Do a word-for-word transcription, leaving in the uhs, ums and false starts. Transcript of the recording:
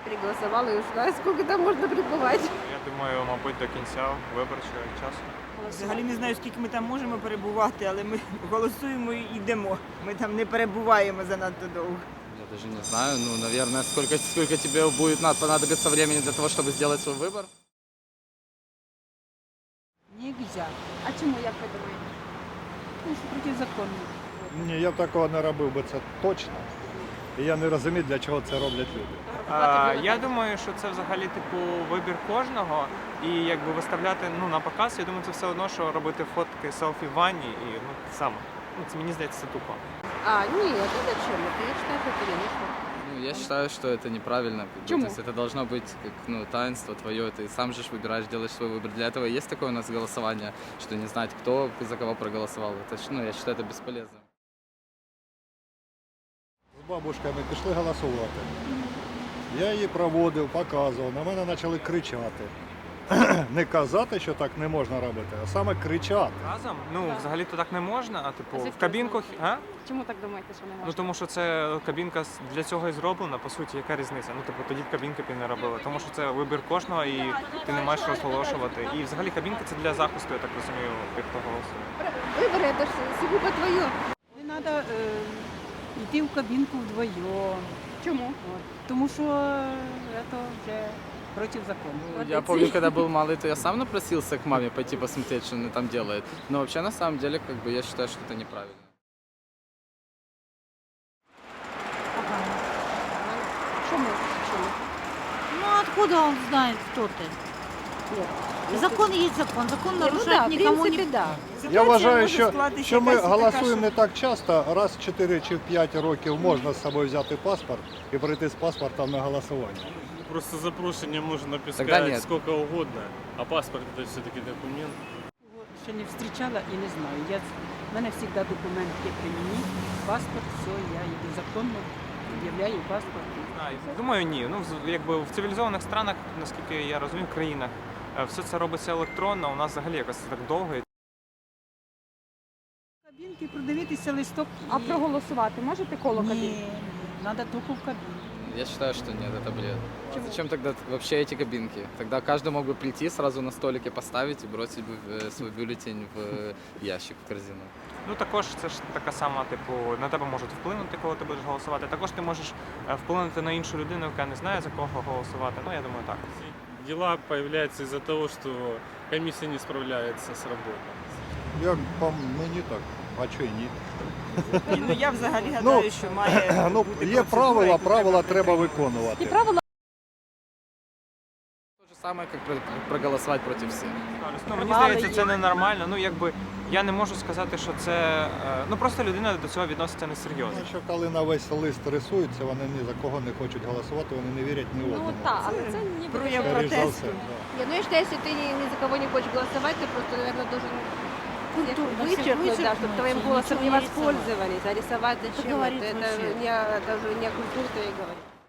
проголосовала и ушла. Сколько там можно пребывать? Я думаю, мабуть, до кінця виборчого часу. Взагалі не знаю, скільки ми там можемо перебувати, але ми голосуємо і йдемо. Ми там не перебуваємо занадто довго. Я даже не знаю, ну, наверное, сколько, сколько тебе будет надо, понадобится времени для того, чтобы сделать свой выбор. Нельзя. А чему, як ви думаєте? Ну, що протизаконно. Ні, я б такого не робив би, це точно. І я не розумію, для чого це роблять люди. А, я думаю, що це взагалі типу вибір кожного. І якби виставляти ну, на показ, я думаю, це все одно, що робити фотки селфі в ванні і ну, те саме. Ну, це мені здається, це тупо. А, нет, ну зачем? Это я считаю, что это лишнее. Ну, я считаю, что это неправильно. как бы, Почему? То есть это должно быть как, ну, таинство твое, ты сам же ж выбираешь, делаешь свой выбор. Для этого и есть такое у нас голосование, что не знать, кто за кого проголосовал. Это, ж, ну, я считаю, это бесполезно. З бабушками пішли голосувати. Я її проводив, показував, на мене почали кричати. Не казати, що так не можна робити, а саме кричати. Разом? Ну, взагалі-то так не можна, а типу А в звідки кабінку. ви А? Чому так думаєте, що не можна? Ну тому що це кабінка з- для цього і зроблена, по суті, яка різниця? Ну, типу, тоді б кабінки б і не робили. Тому що це вибір кожного і ти не маєш розголошувати. І взагалі кабінка це для захисту, я так розумію, тих, хто голосує. Выборы это же сугубо твое. Не треба е, йти в кабінку вдвоєм. Чому? От. Тому що це вже проти закону. Ну, я помню, когда был малый, то я сам напросился к маме пойти посмотреть, что она там делает. Но вообще, на самом деле, как бы, я считаю, что это неправильно. Чому? Чому? Ну откуда он знает, кто ты? Закон есть закон. Закон Ні, ну нарушать да, в никому принципі, не... да. Я Ситуація вважаю, може що, скластися що ми якась така, голосуємо що- не так часто, раз в чотири чи п'ять років можна з собою взяти паспорт і прийти з паспортом на голосування. Просто запрошення можно Тогда написать нет. сколько угодно, а паспорт это все-таки документ. Його ще не зустрічала і не знаю. Я, в мене завжди документ є при мені, паспорт, все, я йду законно, об'являю паспорт. Знаю. Думаю, ні. Ну, з- якби в цивілізованих странах, наскільки я розумію, країнах, е, все це робиться електронно, у нас взагалі якось так довго. і В кабінки продивитися листок. А і- проголосувати можете коло кабінки? Ні, треба тільки в кабінку. Я считаю, что нет, это бред. Зачем тогда вообще эти кабинки? Тогда каждый мог бы прийти, сразу на столике поставить и бросить бы э, свой бюллетень в э, ящик, в корзину. Ну також це ж така сама, типу, на тебе можуть вплинути, коли ти будеш голосувати. Також ти можеш е, вплинути на іншу людину, яка не знає за кого голосувати. Ну я думаю, так. Дела появляются из-за того, что комиссия не справляется с работой. Як по мені так, а чого і ні? Ні, ну я взагалі гадаю, що має Ну, бути є процедура, правила, яку правила треба притримуватися. виконувати. І правила То же самое, как про- проголосовать против всех. Ну, мені Нормально здається, є. це ненормально. Ну якби я не можу сказати, що це. е, Ну просто людина до цього відноситься несерйозно. Тому що коли на весь лист рисуються, вони ні за кого не хочуть голосувати, вони не вірять ні ну одному. так, але це не Прояв Скоріш за протесту. все, да. Нет, ну я считаю, если ты ни, ни за кого не хочешь голосовать, ты просто, наверное, должен Культурно всё вычеркнуть, да, чтобы вычеркнуть, твоим и голосом ничего не не рисовать. воспользовались. А рисовать зачем? говорит Это, это вообще. не, даже не о культуре-то и говорит.